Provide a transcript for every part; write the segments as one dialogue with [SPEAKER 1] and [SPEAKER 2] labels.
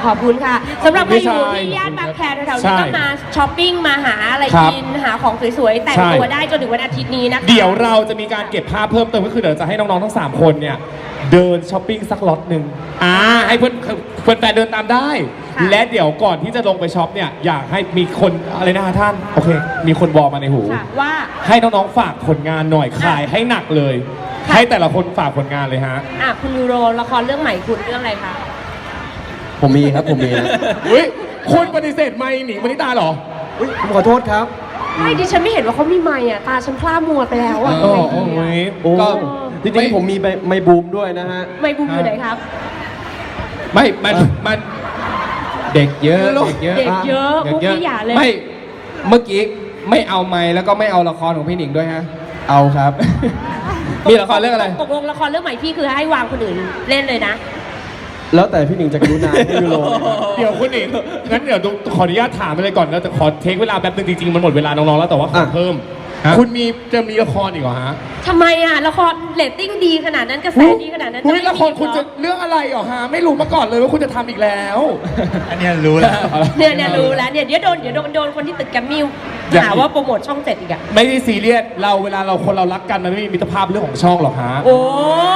[SPEAKER 1] ขอบคุณค่ะสำหรับใครอยู่ที่ย่านบางแคแถวๆนี้ก็มาช้อปปิ้งมาหาอะไรกินหาของสวยๆแต่งตัวได้จนถึงวันอาทิตย์นี้นะคะ
[SPEAKER 2] เดี๋ยวเราจะมีการเก็บภาพเพิ่มเติมก็คือเดี๋ยวจะให้น้องๆทั้ง3คนเนี่ยเดินช้อปปิ้งสักล็อตหนึ่งให้เพื่อนแฟนเดินตามได้และเดี๋ยวก่อนที่จะลงไปช็อปเนี่ยอยากให้มีคนอะไรนะคะท่านโอเคมีคนบอกมาในหู
[SPEAKER 1] ว่า
[SPEAKER 2] ให้น้องๆฝากผลงานหน่อยขายให้หนักเลยให้แต่ละคนฝากผลงานเลยฮะ
[SPEAKER 1] คุณยูโรละครเรื่องใหม่คุณเรื่องอะไรคะ
[SPEAKER 3] ผมมีครับผมมีนะ
[SPEAKER 2] อุ้ยคุณปฏิเสธไม่หนิงมณิตาเหรอ
[SPEAKER 3] อุ้ยผมขอโทษครับ
[SPEAKER 1] ไม่ดิฉันไม่เห็นว่าเขามีไมค์ตาฉันพร่ามัวไปแล้ว
[SPEAKER 3] ก็จริงๆผมมีไมค์บูมด้วยนะฮะ
[SPEAKER 1] ไมค์บูมอยู่ไหนครับ
[SPEAKER 2] ไม่มันเด็กเยอะ
[SPEAKER 1] เด็กเยอะพวกพี่อย่าเลย
[SPEAKER 2] ไม่เมื่อกี้ไม่เอาไมค์แล้วก็ไม่เอาละครของพี่หนิงด้วยฮะ
[SPEAKER 3] เอาครับ
[SPEAKER 2] มีละครเรื่องอะไร
[SPEAKER 1] ตกลงละครเรื่องใหม่พี่คือให้วางคนอื่นเล่นเลยนะ
[SPEAKER 3] แล้วแต่พี่หนิงจะกรุณาให้ยูโร
[SPEAKER 2] เดี๋ยวคุณหนิงงั้นเดี๋ยวขออนุญาตถามไปเลยก่อนแล้วแต่ขอเทคเวลาแป๊บนึงจริงๆมันหมดเวลาน้องๆแล้วแต่ว่าขอเพิ่มคุณจะมีละครอีกเหรอฮะ
[SPEAKER 1] ทำไมละครเรตติ้งดีขนาดนั้นกระแสดีขนาดนั้น
[SPEAKER 2] ละครคุณจะเรื่องอะไรเหรอฮะไม่รู้มาก่อนเลยว่าคุณจะทำอีกแล้ว
[SPEAKER 3] อันนี้รู้แล้ว
[SPEAKER 1] เนี่ยรู้แล้วเนี่ยเดี๋ยวโดนคนที่ตึกแกรมมี่หาว่าโปรโมทช่อง7อีกอะ
[SPEAKER 2] ไม่ได้ซีเรียสเวลาคนเรารักกันมันไม่มีมิตรภาพเรื่องของช่องหรอกฮะ
[SPEAKER 1] โอ้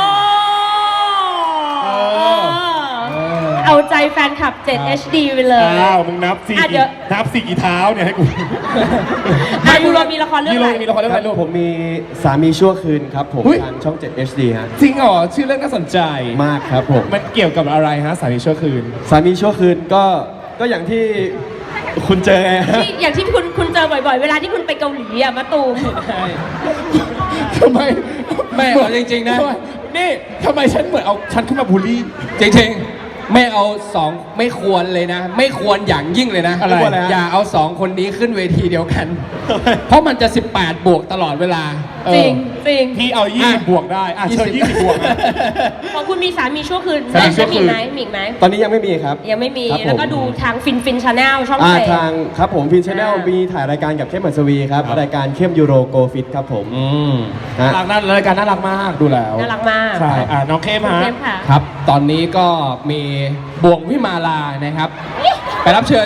[SPEAKER 1] เอาใจแฟนคลับ7 HD ไปเลย
[SPEAKER 2] มึงนับ4กี่เท้าเนี่ยให้กู
[SPEAKER 1] ยูโรมีละครเรื่องอะไร
[SPEAKER 2] มีละครเรื่องอะไรลูก
[SPEAKER 3] ผมมีสามีชั่วคืนครับผมทางช่อง7 HD ฮะ
[SPEAKER 2] จริงเหรอชื่อเรื่องน่าสนใจ
[SPEAKER 3] มากครับผม
[SPEAKER 2] มันเกี่ยวกับอะไรฮะสามีชั่วคืน
[SPEAKER 3] สามีชั่วคืนก็อย่างที่คุณเจอ
[SPEAKER 1] อย่างที่คุณเจอบ่อยๆเวลาที่คุณไปเกาหลีมาตูม
[SPEAKER 2] ทำไมไม่เอาจริงๆนะนี่ทำไมฉันเหมือนเอาฉันขึ้นมาบูลลี่จริงๆไม่เอา2ไม่ควรเลยนะไม่ควรอย่างยิ่งเลยนะอย่าเอา2คนนี้ขึ้นเวทีเดียวกันเพราะมันจะ18บวกตลอดเวลา
[SPEAKER 1] จริง
[SPEAKER 2] พี่เอา20บวกได้เชิญ20บวกนะ
[SPEAKER 1] ของคุณมีสามีชั่วคืนแล้วมีไหม
[SPEAKER 3] ตอนนี้ยังไม่มีครับ
[SPEAKER 1] ยังไม่มีแล้วก็ดูทางฟินชาแนลช่อง
[SPEAKER 3] ทางครับผมฟินชาแนลมีถ่ายรายการกับเข้มหัสวีครับรายการเข้มยูโรโกฟิตครับผม
[SPEAKER 2] น่ารักรายการน่ารักมากดูแล้ว
[SPEAKER 1] น่ารักมาก
[SPEAKER 2] ใช่น้องเข้ม
[SPEAKER 1] ค่ะ
[SPEAKER 2] ครับตอนนี้ก็มีบ่วงวิมาลานะครับไปรับเชิญ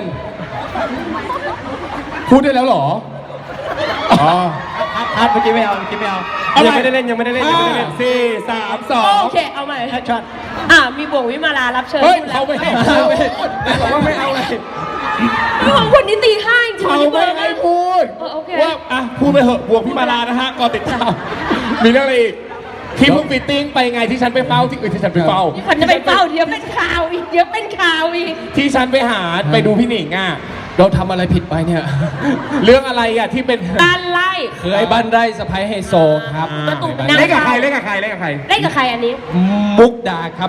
[SPEAKER 2] พูดได้แล้วเหรอ
[SPEAKER 3] เมื่อกี้ไม่เอายังไม่ได้เล่น
[SPEAKER 2] 4 3 2
[SPEAKER 1] โอเคเอาใหม่
[SPEAKER 3] ช็อต
[SPEAKER 1] มีบ่วงวิมาลารับเชิญ
[SPEAKER 2] เขาไม่ให้
[SPEAKER 3] บอกว่าไม่เอาเลย
[SPEAKER 1] ของคนนี้ตีห้าจริง
[SPEAKER 2] เขาไม่ให้พูดว่าพูดไปเหอะบ่วงวิมาลานะฮะก่อนติดตามมีเรื่องอะไรอีกที่เพิ่งฟิตติ้งไปไงที่ฉันไปเฝ้าที่ฉันไปเฝ้า
[SPEAKER 1] ฉันจะไปเฝ้าเดี๋ยวเป็นข่าวอีก
[SPEAKER 2] ที่ฉันไปหาไปดูพี่หนิงเราทำอะไรผิดไปเนี่ยเรื่องอะไรที่เป็น
[SPEAKER 1] บ้านไร่
[SPEAKER 2] เคยบ้านไร่สะพ้ายไฮโซครับเล่นกับใครเล่นกับใคร
[SPEAKER 1] อันนี้
[SPEAKER 2] มุกดาครับ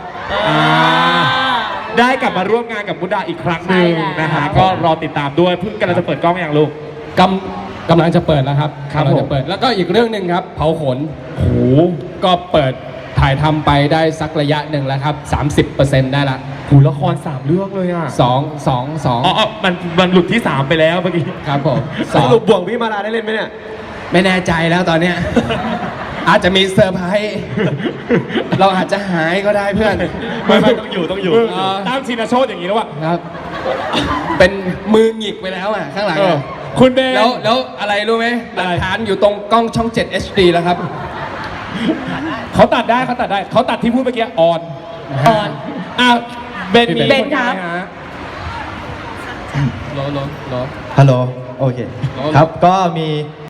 [SPEAKER 2] ได้กลับมาร่วมงานกับมุกดาอีกครั้งหนึ่งนะฮะก็รอติดตามด้วยเพิ่งกำลังจะเปิดกล้องอย่างลูกกำลังจะเปิดแล้วครับกำลังจะเปิดแล้วก็อีกเรื่องหนึ่งครับเผาขนก็เปิดถ่ายทำไปได้สักระยะหนึ่งแล้วครับ 30% ได้ละละคร3เรื่องเลยมันหลุดที่3ไปแล้วเมื่อกี้ครับผม
[SPEAKER 3] สรุปบ่วงวิมาลาได้เล่นไหมเนี่ย
[SPEAKER 2] ไม่แน่ใจแล้วตอนเนี้ยอาจจะมีเซอร์ไพรส์เราอาจจะหายก็ได้เพื่อน
[SPEAKER 3] ไม่ต้องอยู่
[SPEAKER 2] ตามชินโชตอย่างนี้แล้วครับเป็นมือหงิกไปแล้วข้างหลังคุณเบนแล้วอะไรรู้ไหมหลักฐานอยู่ตรงกล้องช่อง7 HD แล้วครับเขาตัดได้เขาตัดที่พูดเมื่อกี้ออนเบนครับ
[SPEAKER 3] ฮัลโหลโอเคครับก็มี